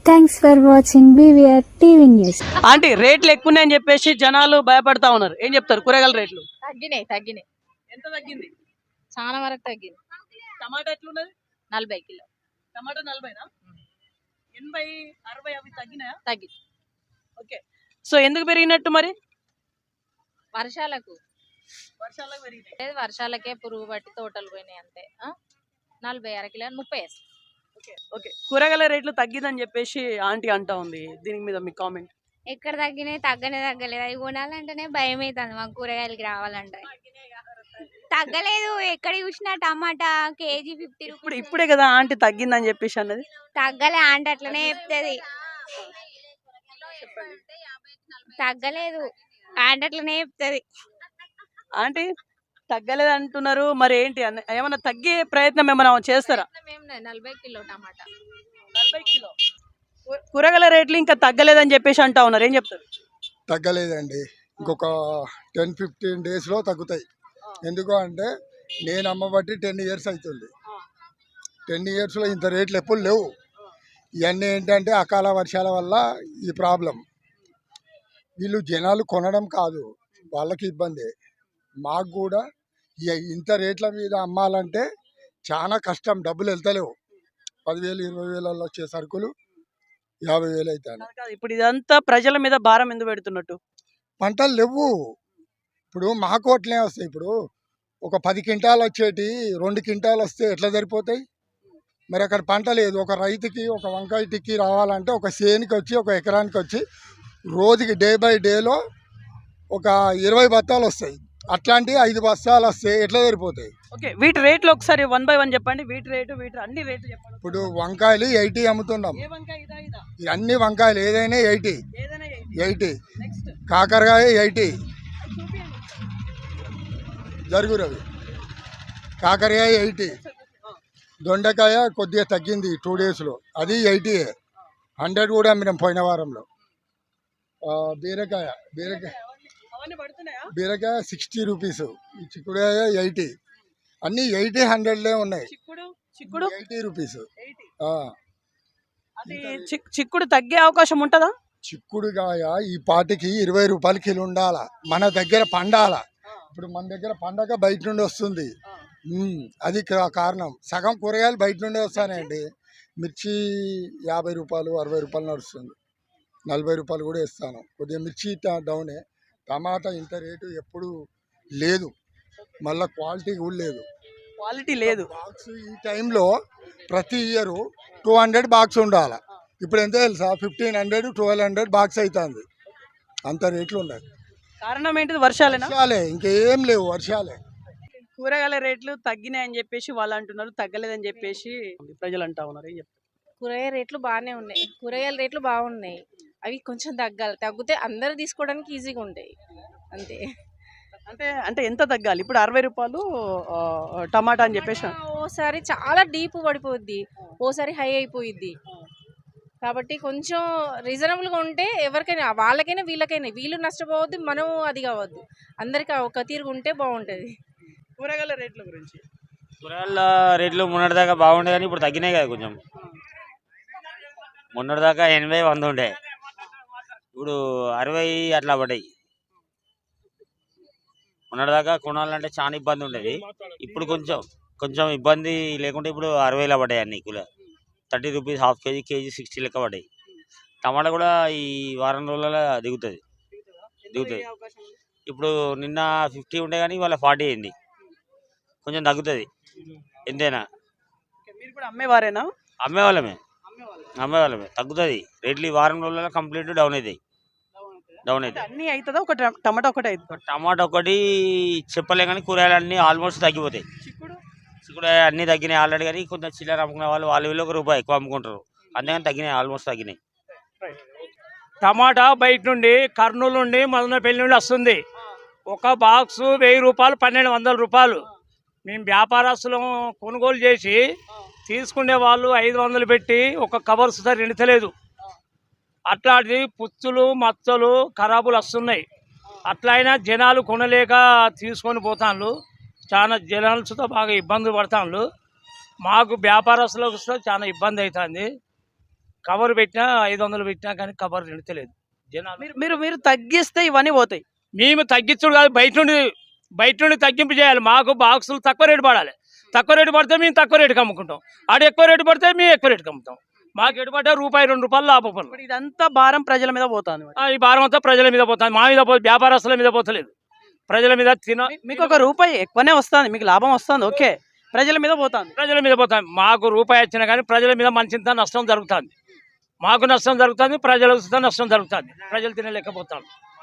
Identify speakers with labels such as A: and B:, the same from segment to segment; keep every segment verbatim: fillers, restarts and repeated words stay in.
A: Thanks for watching BVR TV news.
B: Aunty రేట్లు ఎక్కువని చెప్పేసి జనాలు భయపడతా ఉన్నారు, ఏం చెప్తారు? కూరగాయల రేట్లు
C: తగ్గినాయి తగ్గినాయి
B: ఎంత తగ్గింది?
C: చాలా వరకు తగ్గింది.
B: టమాటా ఎట్లున్నది?
C: నలభై కిలో
B: టమాటా నలభైనా? ఎనభై అరవై అవి తగ్గినాయా?
C: తగ్గి
B: ఓకే, సో ఎందుకు పెరిగినట్టు మరి?
C: వర్షాలకు
B: వర్షాలకు పెరిగినాయి.
C: లేదు, వర్షాలకే పురుగు పట్టి తోటలు పోయినాయి అంతే. ఆ? నలభై అర కిలో ముప్పై వేస్తాం.
B: ఓకే ఓకే, కూరగాయల రేట్లు తగ్గిందని చెప్పేసి ఆంటీ అంటా ఉంది, దీని మీద మీ కామెంట్?
D: ఎక్కడ తగ్గినాయి? తగ్గనే తగ్గలేదు. అవి కొనాలంటేనే భయం అవుతుంది మాకు, కూరగాయలకి రావాలంటే. తగ్గలేదు. ఎక్కడ చూసినా టమాటా కేజీ ఫిఫ్టీ
B: ఇప్పుడు
D: రూపీస్.
B: ఇప్పుడే కదా ఆంటీ తగ్గిందని చెప్పేసి అన్నది.
D: తగ్గలే ఆంటీ, అట్లనే చెప్తుంది. తగ్గలేదు ఆంటీ, అట్లనే చెప్తుంది.
B: ఆంటీ తగ్గలేదు అంటున్నారు, మరి ఏంటి అన్న ఏమన్నా తగ్గే ప్రయత్నం ఏమైనా చేస్తారా?
C: నలభై కిలో టమాటా.
B: నలభై కిలో కూ- కూరగాయల రేట్లు ఇంకా తగ్గలేదని చెప్పేసి అంటా ఉన్నారు, ఏం చెప్తారు?
E: తగ్గలేదండి. ఇంకొక టెన్ ఫిఫ్టీన్ డేస్లో తగ్గుతాయి. ఎందుకు అంటే నేను అమ్మబట్టి టెన్ ఇయర్స్ అవుతుంది. టెన్ ఇయర్స్లో ఇంత రేట్లు ఎప్పుడు లేవు. ఇవన్నీ ఏంటంటే అకాల వర్షాల వల్ల ఈ ప్రాబ్లం. వీళ్ళు జనాలు కొనడం కాదు, వాళ్ళకి ఇబ్బంది. మాకు కూడా ఇ- ఇంత రేట్ల మీద అమ్మాలంటే చాలా కష్టం. డబ్బులు వెళ్తలేవు. పదివేలు ఇరవై వేలలో వచ్చే సరుకులు యాభై వేలు అవుతాయి.
B: కాదు కాదు, ఇప్పుడు ఇదంతా ప్రజల మీద భారం ఎందుకు పెడుతున్నట్టు?
E: పంటలు లేవు. ఇప్పుడు మా కోట్లే వస్తాయి. ఇప్పుడు ఒక పది క్వింటాలు వచ్చేటి రెండు క్వింటాలు వస్తే ఎట్లా సరిపోతాయి? మరి అక్కడ పంట లేదు. ఒక రైతుకి ఒక వంకాయ టిక్కి రావాలంటే ఒక సేనికి వచ్చి ఒక ఎకరానికి వచ్చి రోజుకి డే బై డేలో ఒక ఇరవై బత్తాలు వస్తాయి. అట్లాంటివి ఐదు బస్తాలు వస్తే ఎట్లా సరిపోతాయి?
B: ఓకే, వీటి రేట్లు ఒకసారి వన్ బై వన్ చెప్పండి. వీటి రేటు వీటి అన్ని రేట్లు చెప్పండి.
E: ఇప్పుడు వంకాయలు ఎయిటీ అమ్ముతున్నాం.
B: ఏ వంకాయ ఇదా ఇదా?
E: ఈ అన్ని వంకాయలు ఏదైనా ఎయిటీ
B: ఏదైనా ఏంటి?
E: ఎయిటీ
B: నెక్స్ట్
E: కాకరకాయ ఎయిటీ
B: చూపియండి.
E: జరుగు రవి. కాకరకాయ ఎయిటీ. దొండకాయ కొద్దిగా తగ్గింది టూ డేస్లో, అది ఎయిటీ. హండ్రెడ్ కూడా అమ్మినాం పోయిన వారంలో. ఆ, బీరకాయ బీరకాయ
B: అవన్నీ పడుతున్నాయా?
E: బీరకాయ సిక్స్టీ రూపీస్. ఈ చిక్కుడుకాయ ఎయిటీ. అన్నీ ఎయిటీ హండ్రెడ్లే ఉన్నాయి.
B: చిక్కుడు చిక్కుడు
E: ఎయిటీ రూపీస్.
B: ఎయిటీ.
E: ఆ,
B: అది చిక్- చిక్కుడు తగ్గే అవకాశం ఉంటుందా?
E: చిక్కుడుకాయ ఈ పాటికి ఇరవై రూపాయల కిలో ఉండాల. మన దగ్గర పండాల. ఇప్పుడు మన దగ్గర పండగ బయట నుండి వస్తుంది. ఉమ్, అది కా- కారణం. సగం కూరగాయలు బయట నుండి వస్తానండి. మిర్చి యాభై రూపాయలు అరవై రూపాయలు నడుస్తుంది. నలభై రూపాయలు కూడా ఇస్తాను. కొద్దిగా మిర్చి ట- డౌనే. టమాటా ఇంత రేటు ఎప్పుడు లేదు. మళ్ళీ క్వాలిటీ కూడా లేదు.
B: క్వాలిటీ లేదు.
E: బాక్స్ ఈ టైంలో ప్రతి ఇయర్ టూ హండ్రెడ్ బాక్స్ ఉండాలి. ఇప్పుడు ఎంత తెలుసా? Fifteen hundred twelve hundred box అవుతుంది. అంత రేట్లు ఉన్నాయి.
B: కారణం ఏంటిది? వర్షాలేనా?
E: వర్షాలే, ఇంకేం లేవు, వర్షాలే.
B: కూరగాయల రేట్లు తగ్గినాయని చెప్పేసి వాళ్ళు అంటున్నారు, తగ్గలేదని చెప్పేసి ప్రజలు అంటా ఉన్నారు, ఏం చెప్తారు?
C: కూరగాయల రేట్లు బాగానే ఉన్నాయి. కూరగాయల రేట్లు బాగున్నాయి. అవి కొంచెం తగ్గాలి. తగ్గితే అందరూ తీసుకోవడానికి ఈజీగా ఉంటాయి అంతే.
B: అంటే అంటే ఎంత తగ్గాలి? ఇప్పుడు అరవై రూపాయలు ఆ, టమాటా అని చెప్పేసి
C: ఓసారి చాలా డీప్ పడిపోద్ది, ఓసారి హై అయిపోయిద్ది. కాబట్టి కొంచెం రీజనబుల్గా ఉంటే ఎవరికైనా, వాళ్ళకైనా వీళ్ళకైనా, వీళ్ళు నష్టపోవద్దు, మనం అది కావద్దు. అందరికీ ఒక తీరుగా ఉంటే బాగుంటుంది.
B: కూరగాయల రేట్ల గురించి
F: కూరగాయల రేట్లు మొన్నటిదాకా బాగుండే కానీ ఇప్పుడు తగ్గినాయి కదా కొంచెం. మొన్నటిదాకా ఎనభై వంద ఉండే, ఇప్పుడు అరవై అట్లా పడ్డాయి. మొన్నటిదాకా కొనాలంటే చాలా ఇబ్బంది ఉండేది. ఇప్పుడు కొంచెం కొంచెం ఇబ్బంది లేకుంటే ఇప్పుడు అరవైలో పడ్డాయి అన్ని కూల. Thirty rupees half kg, kg sixty లెక్క పడ్డాయి. టమాటా కూడా ఈ వారం రోజులలో దిగుతుంది దిగుతుంది ఇప్పుడు నిన్న ఫిఫ్టీ ఉండే కానీ ఇవాళ ఫార్టీ అయింది. కొంచెం తగ్గుతుంది ఎంతైనా.
B: మీరు కూడా అమ్మేవారేనా?
F: అమ్మేవాళ్ళమే అమ్మేవాళ్ళమే తగ్గుతుంది రేట్లు. ఈ వారం రోజులలో కంప్లీట్ డౌన్ అవుతాయి డౌన్
B: అంటే
F: అవుతాయి
B: అన్ని అవుతుందా? ఒక ట- టమాటా ఒకటి అవుతుంది.
F: టమాటా ఒకటి చెప్పలే కానీ కూరగాయలు అన్నీ ఆల్మోస్ట్ తగ్గిపోతాయి.
B: చిక్కుడు
F: ఇక్కడ అన్నీ తగ్గినాయి ఆల్రెడీ, కానీ కొంచెం చిల్లర అమ్ముకునే వాళ్ళు వాళ్ళు వీళ్ళు ఒక రూపాయి ఎక్కువ అమ్ముకుంటారు, అందుకని తగ్గినాయి, ఆల్మోస్ట్ తగ్గినాయి.
G: టమాటా బయట నుండి కర్నూలు నుండి మదనపల్లి నుండి వస్తుంది. ఒక బాక్సు వెయ్యి రూపాయలు పన్నెండు వందల రూపాయలు. మేము వ్యాపారస్తులం కొనుగోలు చేసి తీసుకునే వాళ్ళు ఐదు వందలు పెట్టి ఒక కవర్ సుధా నిండుతలేదు. అట్లాంటిది పుచ్చులు మచ్చలు ఖరాబులు వస్తున్నాయి. అట్లా అయినా జనాలు కొనలేక తీసుకొని పోతాను. చాలా జనాలతో బాగా ఇబ్బంది పడతాను. మాకు వ్యాపారస్తులకు చాలా ఇబ్బంది అవుతుంది. కవర్ పెట్టినా ఐదు వందలు పెట్టినా కానీ కవర్ నిండతలేదు జనాలు.
B: మీరు మీరు మీరు తగ్గిస్తే ఇవన్నీ పోతాయి.
G: మేము తగ్గించుడు కాదు, బయట నుండి బయట నుండి తగ్గింపు చేయాలి. మాకు బాక్సులు తక్కువ రేటు పడాలి. తక్కువ రేటు పడితే మేము తక్కువ రేటుకి అమ్ముకుంటాం, ఆడ ఎక్కువ రేటు పడితే మేము ఎక్కువ రేటుకి అమ్ముతాం. మాకు ఎటు పడ్డా రూపాయి రెండు రూపాయలు లాభం.
B: ఇప్పుడు ఇదంతా భారం ప్రజల మీద పోతుంది.
G: ఈ భారం అంతా ప్రజల మీద పోతుంది, మా మీద పో వ్యాపారస్తుల మీద పోతలేదు, ప్రజల మీద తిన.
B: మీకు ఒక రూపాయి ఎక్కువనే వస్తుంది, మీకు లాభం వస్తుంది, ఓకే, ప్రజల మీద పోతుంది.
G: ప్రజల మీద పోతుంది. మాకు రూపాయి వచ్చినా కానీ ప్రజల మీద మంచింత నష్టం జరుగుతుంది. మాకు నష్టం జరుగుతుంది, ప్రజలకు నష్టం జరుగుతుంది. ప్రజలు తినలేకపోతాం.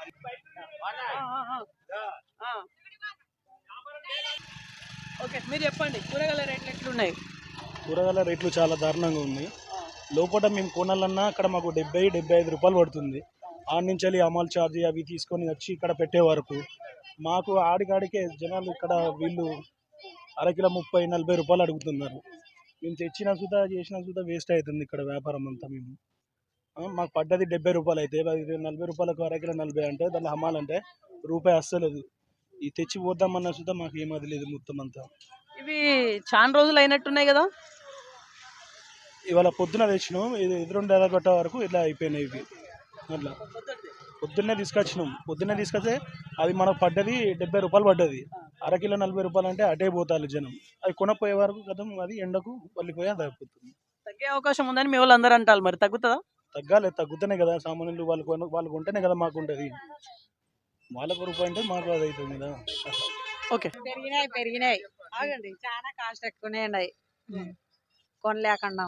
B: ఓకే, మీరు చెప్పండి కూరగాయల రేట్లు ఎట్లున్నాయి?
H: కూరగాయల రేట్లు చాలా దారుణంగా ఉన్నాయి. లోపల మేము కొనాలన్నా అక్కడ మాకు డెబ్బై డెబ్బై ఐదు రూపాయలు పడుతుంది. ఆడి నుంచి వెళ్ళి అమలు ఛార్జీ అవి తీసుకొని వచ్చి ఇక్కడ పెట్టే వరకు మాకు ఆడికాడికే జనాలు ఇక్కడ వీళ్ళు అరకిలో ముప్పై నలభై రూపాయలు అడుగుతున్నారు. మేము తెచ్చిన సుధా చేసిన సుధా వేస్ట్ అవుతుంది ఇక్కడ వ్యాపారం అంతా. మేము మాకు పడ్డది డెబ్బై రూపాయలు అయితే అది నలభై రూపాయలకు అరకిలో నలభై అంటే దాన్ని అమ్మాలంటే రూపాయి అస్సలేదు. ఈ తెచ్చి పోద్దామన్న సుధా మాకు ఏమది లేదు మొత్తం అంతా.
B: ఇవి చాలా రోజులు అయినట్టున్నాయి కదా?
H: ఇవాళ పొద్దున తెచ్చినాం, ఇది ఎదురుండి ఎదగొట్ట వరకు ఇట్లా అయిపోయినాయి ఇవి. అట్లా పొద్దున్నే తీసుకొచ్చినాం, పొద్దున్నే తీసుకొస్తే అది మనకు పడ్డది డెబ్బై రూపాయలు పడ్డది. అరకిలో నలభై రూపాయలు అంటే అటే పోతారు జనం. అది కొనపోయే వరకు కదా అది ఎండకు వెళ్ళిపోయి అది అయిపోతుంది.
B: తగ్గే అవకాశం ఉందని మీ వాళ్ళు అందరూ అంటారు, మరి తగ్గుతుందా?
H: తగ్గాలి, తగ్గుతూనే కదా సామాన్యులు వాళ్ళు కొన వాళ్ళకు ఉంటేనే కదా మాకు ఉంటుంది. వాళ్ళకు రూపాయి అంటే మాకు అది అవుతుంది కదా.
B: ఓకే,
I: పెరిగినాయి పెరిగినాయి
B: ఆగండి.
I: చాలా కాస్ట్ ఎక్కువనే ఉన్నాయి, కొనలేకుండా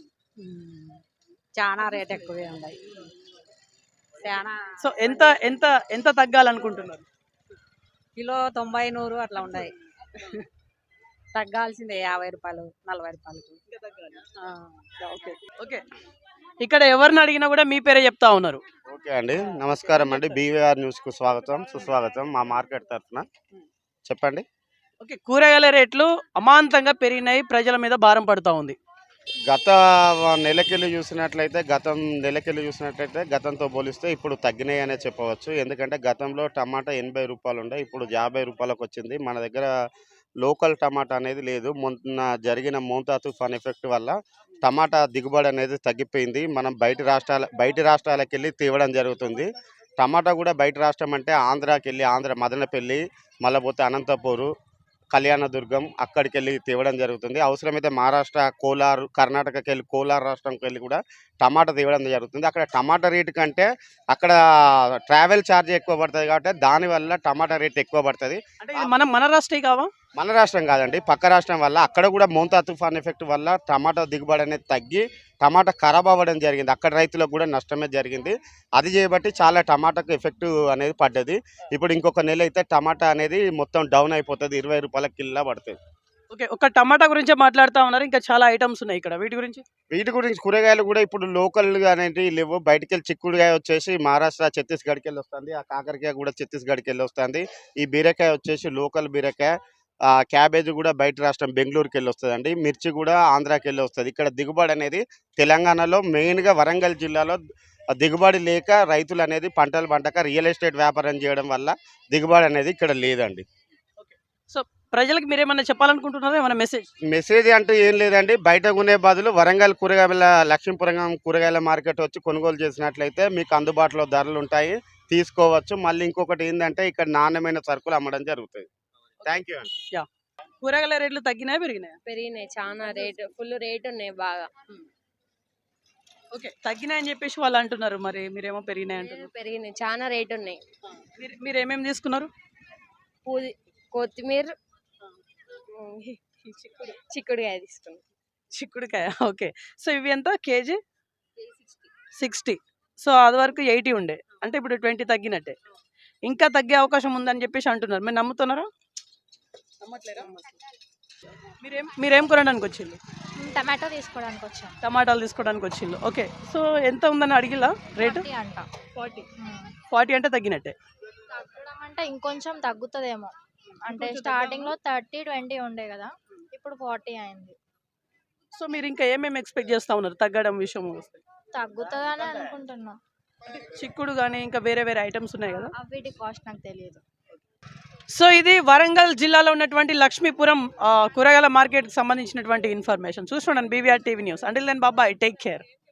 I: చాలా రేట్ ఎక్కువే ఉన్నాయి. చాలా
B: సో ఎంత ఎంత ఎంత తగ్గాలనుకుంటున్నారు?
I: కిలో తొంభై నూరు అట్లా ఉన్నాయి. తగ్గాల్సిందే యాభై రూపాయలు నలభై రూపాయలకు. ఆ.
B: ఓకే ఓకే, ఇక్కడ ఎవరిని అడిగినా కూడా మీ పేరే చెప్తా ఉన్నారు.
J: ఓకే అండి, నమస్కారం అండి. బీవీఆర్ న్యూస్కు స్వాగతం సుస్వాగతం. మా మార్కెట్ తరఫున చెప్పండి.
B: ఓకే, కూరగాయల రేట్లు అమాంతంగా పెరిగినాయి, ప్రజల మీద భారం పడుతూ ఉంది.
J: గత నెలకెళ్ళి చూసినట్లయితే గతం నెలకెళ్ళి చూసినట్లయితే గతంతో పోలిస్తే ఇప్పుడు తగ్గినాయి అనే చెప్పవచ్చు. ఎందుకంటే గతంలో టమాటా ఎనభై రూపాయలు ఉండే, ఇప్పుడు యాభై రూపాయలకు వచ్చింది. మన దగ్గర లోకల్ టమాటా అనేది లేదు. మొన్న జరిగిన మోంతా తుఫాన్ ఎఫెక్ట్ వల్ల టమాటా దిగుబడి అనేది తగ్గిపోయింది. మనం బయట రాష్ట్రాల బయట రాష్ట్రాలకు వెళ్ళి తేవడం జరుగుతుంది. టమాటా కూడా బయట రాష్ట్రం అంటే ఆంధ్రాకి వెళ్ళి ఆంధ్ర మదనపల్లి, మళ్ళీ పోతే అనంతపూరు, కళ్యాణదుర్గం అక్కడికి వెళ్ళి తేవడం జరుగుతుంది. అవసరమైతే మహారాష్ట్ర, కోలార్, కర్ణాటకకి వెళ్ళి కోలార్ రాష్ట్రంకి వెళ్ళి కూడా టమాటా తేవడం జరుగుతుంది. అక్కడ టమాటా రేటు కంటే అక్కడ ట్రావెల్ ఛార్జ్ ఎక్కువ పడుతుంది కాబట్టి దానివల్ల టమాటా రేట్ ఎక్కువ పడుతుంది.
B: అంటే ఇది మనం మన రాష్ట్రే కావా?
J: మన రాష్ట్రం కాదండి, పక్క రాష్ట్రం వల్ల అక్కడ కూడా మోంతా తుఫాన్ ఎఫెక్ట్ వల్ల టమాటా దిగుబడి అనేది తగ్గి టమాటా ఖరాబ్ అవ్వడం జరిగింది. అక్కడ రైతులకు కూడా నష్టమే జరిగింది. అది చేయబట్టి చాలా టమాటాకు ఎఫెక్ట్ అనేది పడ్డది. ఇప్పుడు ఇంకొక నెల అయితే టమాటా అనేది మొత్తం డౌన్ అయిపోతుంది, ఇరవై రూపాయల కిలో పడుతుంది.
B: ఓకే, ఒక టమాటా గురించి మాట్లాడుతూ ఉన్నారు, ఇంకా చాలా ఐటమ్స్ ఉన్నాయి ఇక్కడ, వీటి గురించి
J: వీటి గురించి కూరగాయలు కూడా ఇప్పుడు లోకల్గా అనేవి లేవు. బయటికి వెళ్ళి చిక్కుడుకాయ వచ్చేసి మహారాష్ట్ర ఛత్తీస్గఢ్కి వెళ్ళి వస్తుంది. ఆ కాకరకాయ కూడా ఛత్తీస్గఢ్కి వెళ్ళి వస్తుంది. ఈ బీరకాయ వచ్చేసి లోకల్ బీరకాయ. క్యాబేజ్ కూడా బయట రాష్ట్రం బెంగళూరుకి వెళ్ళి వస్తుంది అండి. మిర్చి కూడా ఆంధ్రాకి వెళ్ళి వస్తుంది. ఇక్కడ దిగుబడి అనేది తెలంగాణలో మెయిన్గా వరంగల్ జిల్లాలో దిగుబడి లేక రైతులు అనేది పంటలు పంటక రియల్ ఎస్టేట్ వ్యాపారం చేయడం వల్ల దిగుబడి అనేది ఇక్కడ లేదండి.
B: సో ప్రజలకు మీరేమన్నా చెప్పాలనుకుంటున్నారా, ఏమైనా మెసేజ్?
J: మెసేజ్ అంటూ ఏం లేదండి. బయట కొనే బదులు వరంగల్ కూరగాయల లక్ష్మీపురం కూరగాయల మార్కెట్ వచ్చి కొనుగోలు చేసినట్లయితే మీకు అందుబాటులో ధరలు ఉంటాయి, తీసుకోవచ్చు. మళ్ళీ ఇంకొకటి ఏంటంటే ఇక్కడ నాణ్యమైన సరుకులు అమ్మడం జరుగుతుంది. థ్యాంక్ యూ అండి.
B: యా, కూరగాయల రేట్లు తగ్గినాయా పెరిగినాయా?
C: పెరిగినాయి, చాలా రేట్ ఫుల్ రేట్ ఉన్నాయి బాగా.
B: ఓకే, తగ్గినాయని చెప్పేసి వాళ్ళు అంటున్నారు, మరి మీరేమో పెరిగినాయి అంటున్నారు.
C: పెరిగినాయి, చాలా రేట్ ఉన్నాయి.
B: మీరు మీరు ఏమేమి తీసుకున్నారు?
C: పూది కొత్తిమీర, చిక్కుడు చిక్కుడుకాయ తీసుకున్నాం.
B: చిక్కుడుకాయ, ఓకే. సో ఇవి ఎంత కేజీ? సిక్స్టీ. సో అది వరకు ఎయిటీ ఉండే, అంటే ఇప్పుడు ట్వంటీ తగ్గినట్టే. ఇంకా తగ్గే అవకాశం ఉందని చెప్పేసి అంటున్నారు, మీరు నమ్ముతున్నారా? నమ్మట్లేరా? మీరేం మీరేం కొనడానికి వచ్చింది?
D: టమాటో తీసుకోవడానికి వచ్చాం.
B: టమాటాలు తీసుకోవడానికి వచ్చిండు. ఓకే, సో ఎంత ఉందని అడిగిలా రేటు?
D: అంట
B: ఫార్టీ. ఫార్టీ అంటే తగ్గినట్టే.
D: తగ్గడం అంటే ఇంకొంచెం తగ్గుతుందేమో, అంటే స్టార్టింగ్ లో థర్టీ ట్వంటీ ఉండే కదా, ఇప్పుడు ఫార్టీ అయింది.
B: సో మీరు ఇంకా ఏమేమి ఎక్స్పెక్ట్ చేస్తా ఉన్నారు తగ్గడం విషయం వస్తే?
D: తగ్గుతుందని అనుకుంటున్నా.
B: చిక్కుడు కానీ ఇంకా వేరే వేరే ఐటమ్స్ ఉన్నాయి కదా,
D: వీటి కాస్ట్ నాకు తెలియదు.
B: సో ఇది వరంగల్ జిల్లాలో ఉన్నటువంటి లక్ష్మీపురం కూరగాయల మార్కెట్కి సంబంధించినటువంటి ఇన్ఫర్మేషన్. చూస్తున్నాను BVR TV news. Until then బాబాయ్, టేక్ కేర్.